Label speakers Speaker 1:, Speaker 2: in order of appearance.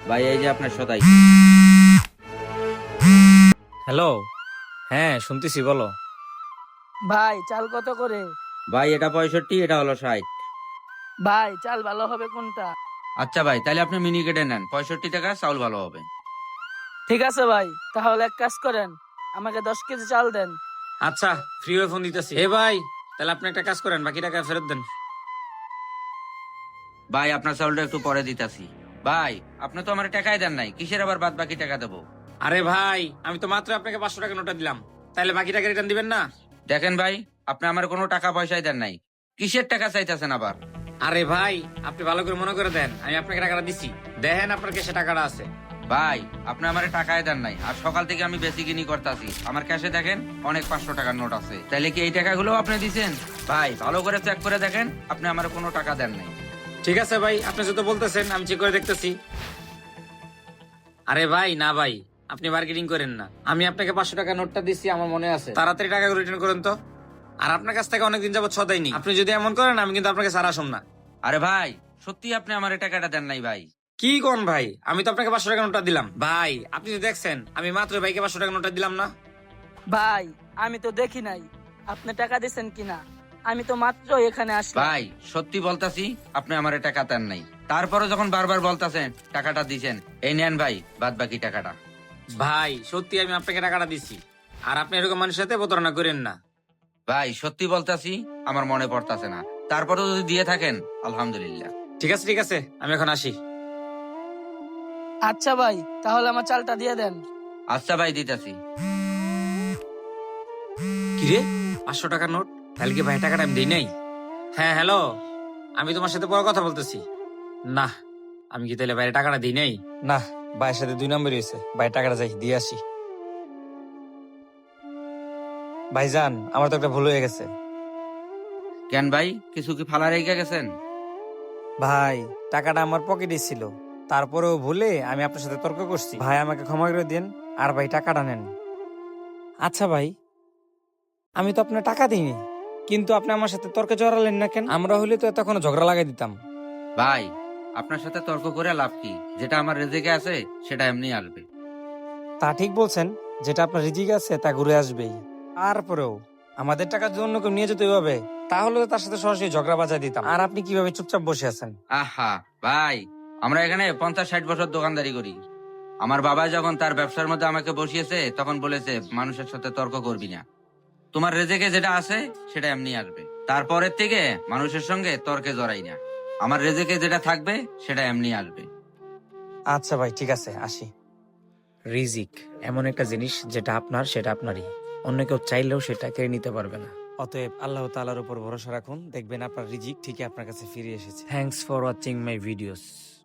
Speaker 1: ভাই এই যে আপনার সদাই।
Speaker 2: হ্যালো। হ্যাঁ, শুনতেছি, বলো।
Speaker 3: ভাই চাল কত করে?
Speaker 1: ভাই এটা 65, এটা হলো 60।
Speaker 3: ভাই চাল ভালো হবে কোনটা?
Speaker 1: আচ্ছা ভাই, তাহলে আপনি মিনি কেটে নেন, 65 টাকা চাউল ভালো হবে।
Speaker 3: ঠিক আছে ভাই, তাহলে এক কাজ করেন, আমাকে 10 কেজি চাল দেন।
Speaker 2: আচ্ছা, ফ্রি হয়ে ফোন দিতেছি। এ ভাই, তাহলে আপনি একটা কাজ করেন, বাকি টাকা ফেরত দেন।
Speaker 1: ভাই আপনার চাউলটা একটু পরে দিতাছি। ভাই আপনি তো আমার টাকাই দেন নাই, কিসের আবার বাদ বাকি টাকা দেবো?
Speaker 2: আরে ভাই, আমি তো মাত্র আপনাকে 500 টাকা নোটা দিলাম, তাহলে বাকি টাকা রিটার্ন দিবেন না?
Speaker 1: দেখেন ভাই, আপনি আমার কোনো টাকা পয়সাই দেন নাই, কিসের টাকা চাইতেছেন আবার?
Speaker 2: আরে ভাই, আপনি ভালো করে মনে করে দেন, আমি আপনাকে টাকাটা দিছি, দেখেন আপনার কাছে টাকাটা আছে।
Speaker 1: ভাই আপনি আমার টাকাই দেন নাই, আর সকাল থেকে আমি বেশি কিনি করতেছি, আমার ক্যাশে দেখেন অনেক 500 টাকার নোট আছে, তাইলে কি এই টাকাগুলো আপনি দিছেন? ভাই ভালো করে চেক করে দেখেন, আপনি আমার কোনো টাকা দেন নাই।
Speaker 2: ঠিক আছে ভাই, আপনি যত বলতেছেন আমি চেক করে দেখতেছি। আরে ভাই না ভাই, আপনি মার্কেটিং করেন না, আমি আপনাকে 500 টাকা নোটটা দিচ্ছি, আমার মনে আছে। তাড়াতাড়ি টাকা রিটার্ন করেন তো। আর আপনার কাছ থেকে অনেকদিন যাবত সদাইনি, আপনি যদি এমন করেন আমি কিন্তু আপনাকে সারা আসুন না।
Speaker 1: আরে ভাই সত্যি আপনি আমার টাকাটা দেন নাই ভাই?
Speaker 2: কি কোন ভাই, আমি তো আপনাকে 500 টাকা নোটটা দিলাম ভাই, আপনি তো দেখছেন আমি মাত্র ভাইকে 500 টাকা নোটটা দিলাম না।
Speaker 3: ভাই আমি তো দেখি নাই আপনি টাকা দিছেন কিনা, আমি তো মাত্র এখানে আসলাম।
Speaker 1: ভাই সত্যি বলতাছি, আপনি আমার টাকা দেন নাই, তারপরে যখন বারবার বলতাছেন টাকাটা দিছেন, এই নেন ভাই বাদ বাকি টাকাটা।
Speaker 2: ভাই সত্যি আমি আপনাকে টাকাটা দিছি, আর আপনি এরকম মানুষের সাথে প্রতারণা করেন না।
Speaker 1: ভাই সত্যি বলতাছি, আমার মনে পড়তাছে না, তারপরে যদি দিয়ে থাকেন আলহামদুলিল্লাহ।
Speaker 2: ঠিক আছে ঠিক আছে, আমি এখন আসি।
Speaker 3: আচ্ছা ভাই, তাহলে আমার চালটা দিয়ে দেন।
Speaker 1: আচ্ছা ভাই দিতাছি।
Speaker 2: কিরে, 500 টাকার নোট, তাহলে কি ভাই টাকাটা আমি দিই নাই? হ্যাঁ হ্যালো, আমি তোমার সাথে পরে কথা বলতেছি। না, আমি কি তাহলে বাইরে টাকাটা দিই নাই? না, ভাইয়ের সাথে 2 নম্বরই হয়েছে, ভাই টাকাটা যাই দিয়ে আসি। ভাইজান, আমার তো একটা ভুল হয়ে গেছে।
Speaker 1: কেন ভাই, কিছু কি ফালা রেখে গেছেন?
Speaker 2: ভাই টাকাটা আমার পকেটে ছিল, তারপরেও ভুলে আমি আপনার সাথে তর্ক করছি, ভাই আমাকে ক্ষমা করে দিন, আর ভাই টাকাটা নেন। আচ্ছা ভাই, আমি তো আপনার টাকা দিইনি, কিন্তু আপনি আমার সাথে তর্কে জড়ালেন না কেন? আমরা হলে তো এতক্ষণ ঝগড়া লাগাই দিতাম।
Speaker 1: ভাই আপনার সাথে তর্ক করে লাভ কি, যেটা আমার রেজেকে আছে সেটা এমনি আসবে।
Speaker 2: তা ঠিক বলছেন, যেটা আপনার রিজিক আছে তা ঘুরে আসবেই। তারপরেও আমাদের টাকা যদি অন্য কেউ নিয়ে যেতে হবে, তাহলে তো তার সাথে সরাসরি ঝগড়া বাজায় দিতাম। আর আপনি কিভাবে চুপচাপ বসে আছেন?
Speaker 1: আহা ভাই, আমরা এখানে 50-60 বছর দোকানদারি করি। আমার বাবা যখন তার ব্যবসার মধ্যে আমাকে বসিয়েছে, তখন বলেছে মানুষের সাথে তর্ক করবি না, তোমার রেজেকে যেটা আছে সেটা এমনি আসবে, তারপরের থেকে মানুষের সঙ্গে তর্কে জড়াই না, আমার রেজেকে যেটা থাকবে সেটা এমনি আসবে।
Speaker 2: আচ্ছা ভাই, ঠিক আছে, আসি। রিজিক এমন একটা জিনিস, যেটা আপনার সেটা আপনারই, অন্য কেউ চাইলেও সেটা কেড়ে নিতে পারবে না। অতএব আল্লাহ তাআলার উপর ভরসা রাখুন, দেখবেন আপনার রিজিক ঠিকই আপনার কাছে ফিরে এসেছে। Thanks for watching my videos.